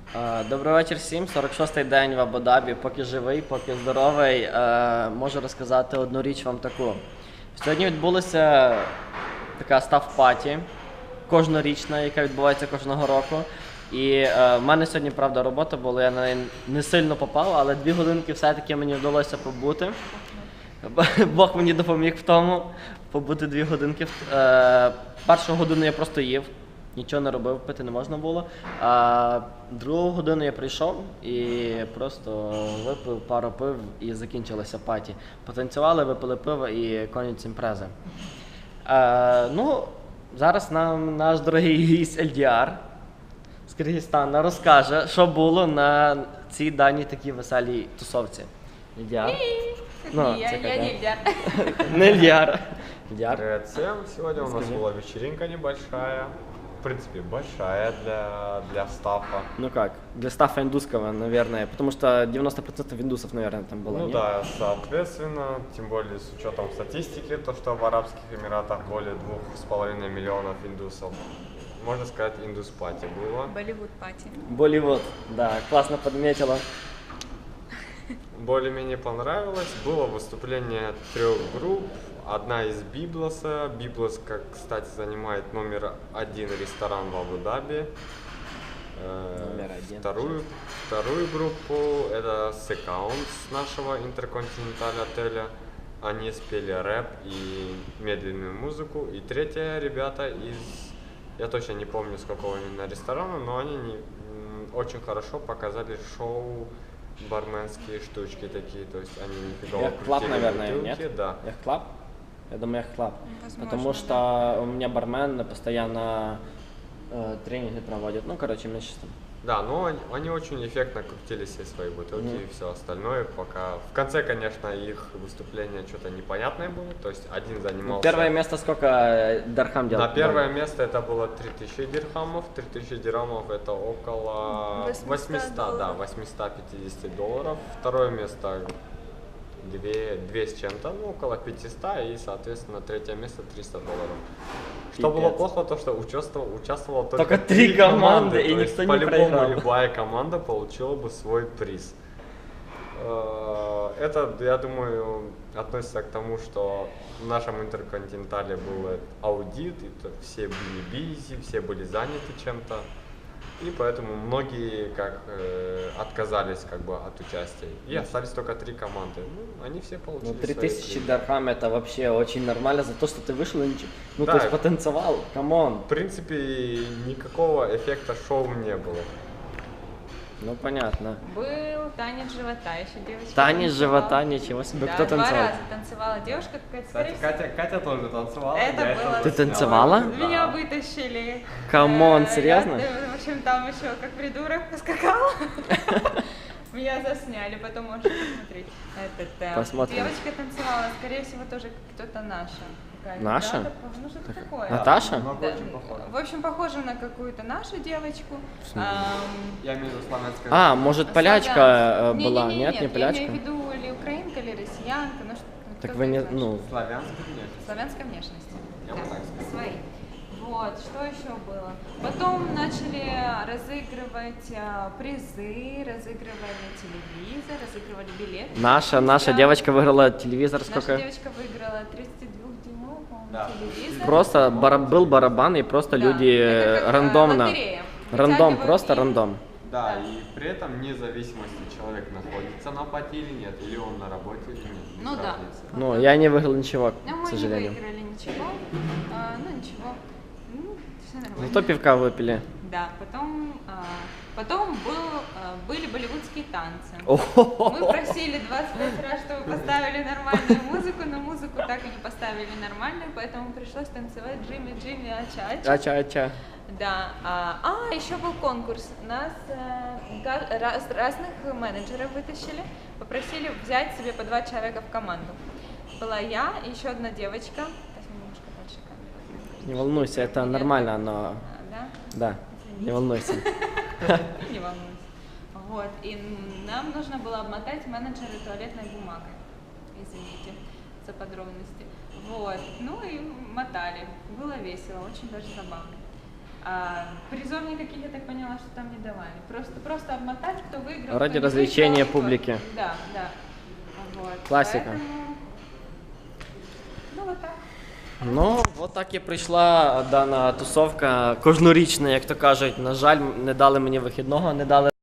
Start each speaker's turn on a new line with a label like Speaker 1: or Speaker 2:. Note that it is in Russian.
Speaker 1: Добрий вечір всім. 46-й день в Абу-Дабі. Поки живий, поки здоровий. Можу розказати одну річ вам таку. Сьогодні відбулася така став-паті, кожнорічна, яка відбувається кожного року. І в мене сьогодні, правда, робота була, я на неї не сильно попав, але 2 годинки все-таки мені вдалося побути. Бог мені допоміг в тому, побути 2 годинки. Першу годину я просто їв. Нічого не робив, пити не можна було. А другу годину я прийшов і просто випив пару пив і закінчилася паті. Потанцювали, випили пиво і конець імпрези. Зараз нам наш дорогий гість Ельдіар з Киргизстана розкаже, що було на цій даній такій веселій тусовці. Ельдіар.
Speaker 2: Я не Ильдар.
Speaker 1: Не Ельдіар. Ельдіар.
Speaker 3: Привет всем! Сегодня у нас была вечеринка небольшая. В принципе, большая для стафа.
Speaker 1: Ну как, для стафа индусского, наверное, потому что 90% индусов, наверное, там было.
Speaker 3: Ну
Speaker 1: нет?
Speaker 3: да, соответственно, тем более с учетом статистики, то что в Арабских Эмиратах более 2,5 миллионов индусов. Можно сказать, индус-пати было.
Speaker 2: Болливуд пати.
Speaker 1: Болливуд, да, классно подметила.
Speaker 3: Более-менее понравилось. Было выступление 3 групп. Одна из Библоса. Библос, как, кстати, занимает номер 1 ресторан в Абу-Даби.
Speaker 1: Номер 1.
Speaker 3: Вторую группу это Секаунс нашего интерконтиненталь отеля. Они спели рэп и медленную музыку. И третья ребята из, я точно не помню с какого именно ресторана, но они очень хорошо показали шоу, барменские штучки такие, то есть они нифига
Speaker 1: Яхт-клаб, наверное,
Speaker 3: бутылки,
Speaker 1: нет?
Speaker 3: да.
Speaker 1: Яхт-клаб? Я думаю, яхт-клаб.
Speaker 2: Возможно,
Speaker 1: Потому
Speaker 2: да.
Speaker 1: что у меня бармен постоянно тренинги проводит. Ну, короче, мне сейчас там...
Speaker 3: Да, но они очень эффектно крутили все свои бутылки и все остальное, пока... В конце, конечно, их выступление что-то непонятное было, то есть один занимался...
Speaker 1: Первое место сколько Дархам делал?
Speaker 3: На первое место это было 3000 дирхамов, 3000 дирхамов это около 800, да, 850 долларов. Второе место 2 с чем-то, ну около 500, и, соответственно, третье место 300 долларов. Что было плохо, то что участвовало только
Speaker 1: 3 команды, и
Speaker 3: то есть
Speaker 1: никто не
Speaker 3: по-любому
Speaker 1: проиграл.
Speaker 3: любая команда получила бы свой приз. Это, я думаю, относится к тому, что в нашем интерконтинентале был аудит, и все были бизи, все были заняты чем-то. И поэтому многие отказались от участия. И остались только 3 команды. Ну, они все получили
Speaker 1: Ну,
Speaker 3: свои
Speaker 1: 3000
Speaker 3: призы.
Speaker 1: Дархам это вообще очень нормально за то, что ты вышел и ничего. Ну,
Speaker 3: Да.
Speaker 1: то есть потанцевал, камон.
Speaker 3: В принципе, никакого эффекта шоу не было.
Speaker 1: Ну, понятно.
Speaker 2: Был танец живота, еще девочка.
Speaker 1: Танец
Speaker 2: танцевала.
Speaker 1: живота, ничего себе.
Speaker 2: Да,
Speaker 1: Кто
Speaker 2: 2
Speaker 1: танцевал?
Speaker 2: раза танцевала девушка какая-то.
Speaker 4: Кстати,
Speaker 2: скорее
Speaker 4: Катя тоже танцевала.
Speaker 2: Это
Speaker 4: я
Speaker 2: было
Speaker 1: Ты
Speaker 4: тоже
Speaker 1: танцевала?
Speaker 4: снял.
Speaker 2: Меня
Speaker 4: Да.
Speaker 2: вытащили.
Speaker 1: Камон, серьезно?
Speaker 2: В общем, там еще как придурок поскакал. Меня засняли, потом можете посмотреть.
Speaker 1: Посмотрим.
Speaker 2: Девочка танцевала, скорее всего, тоже кто-то наша. Какая-то,
Speaker 1: Наша?
Speaker 2: да, ну что-то такое.
Speaker 1: Наташа?
Speaker 4: Много
Speaker 2: Да,
Speaker 4: очень похоже.
Speaker 2: в общем, похожа на какую-то нашу девочку.
Speaker 4: Я имею в виду славянская.
Speaker 1: А, может, полячка была?
Speaker 2: Не-не-не,
Speaker 1: Нет, не
Speaker 2: Я
Speaker 1: полячка?
Speaker 2: имею в виду или украинка, или россиянка, ну что.
Speaker 1: Так
Speaker 2: кто-то
Speaker 1: вы не,
Speaker 2: из наших.
Speaker 1: ну,
Speaker 4: Славянская нет.
Speaker 2: Славянской внешности.
Speaker 4: Я бы так сказал.
Speaker 2: Свои. Вот, что еще было? Потом начали разыгрывать призы, разыгрывали телевизор, разыгрывали билеты.
Speaker 1: наша девочка выиграла телевизор
Speaker 2: Наша
Speaker 1: сколько?
Speaker 2: девочка выиграла 32-дюймовый, по-моему,
Speaker 4: Да.
Speaker 2: телевизор.
Speaker 1: Просто был барабан, и просто
Speaker 2: Да,
Speaker 1: люди
Speaker 2: это как,
Speaker 1: рандомно.
Speaker 2: лотерея.
Speaker 1: Рандом,
Speaker 2: Вытягивают
Speaker 1: просто
Speaker 2: и-
Speaker 1: рандом.
Speaker 4: Да, и при этом вне зависимости человек находится на пати или нет, или он на работе или нет. без
Speaker 2: Ну да.
Speaker 4: разницы.
Speaker 1: Ну, я не выиграл ничего,
Speaker 2: Но
Speaker 1: к
Speaker 2: мы
Speaker 1: сожалению.
Speaker 2: не выиграли ничего. Ну ничего. Все нормально.
Speaker 1: Зато пивка выпили.
Speaker 2: Да, потом были болливудские танцы.
Speaker 1: О-хо-хо.
Speaker 2: Мы просили 25 раз, чтобы поставили нормальную музыку, но музыку так и не поставили нормальную, поэтому пришлось танцевать Джимми, Джимми, Ача-Ача.
Speaker 1: Ача-ача.
Speaker 2: Да. Еще был конкурс. Нас разных менеджеров вытащили, попросили взять себе по 2 человека в команду. Была я и еще одна девочка. Сейчас немножко дальше камеру.
Speaker 1: Не волнуйся, это
Speaker 2: Нет?
Speaker 1: нормально, но...
Speaker 2: Да?
Speaker 1: Да, не волнуйся.
Speaker 2: Не волнуйся. Вот, и нам нужно было обмотать менеджеры туалетной бумагой. Извините за подробности. Вот, ну и мотали. Было весело, очень даже забавно. Призов никаких, я так поняла, что там не давали. Просто обмотать, кто выиграл.
Speaker 1: Ради
Speaker 2: кто не
Speaker 1: развлечения
Speaker 2: выиграл,
Speaker 1: публики.
Speaker 2: Да, да. Вот.
Speaker 1: Классика.
Speaker 2: Поэтому, ну, вот так.
Speaker 1: Ну, от так і прийшла дана тусовка кожнорічна, як то кажуть. На жаль, не дали мені вихідного, не дали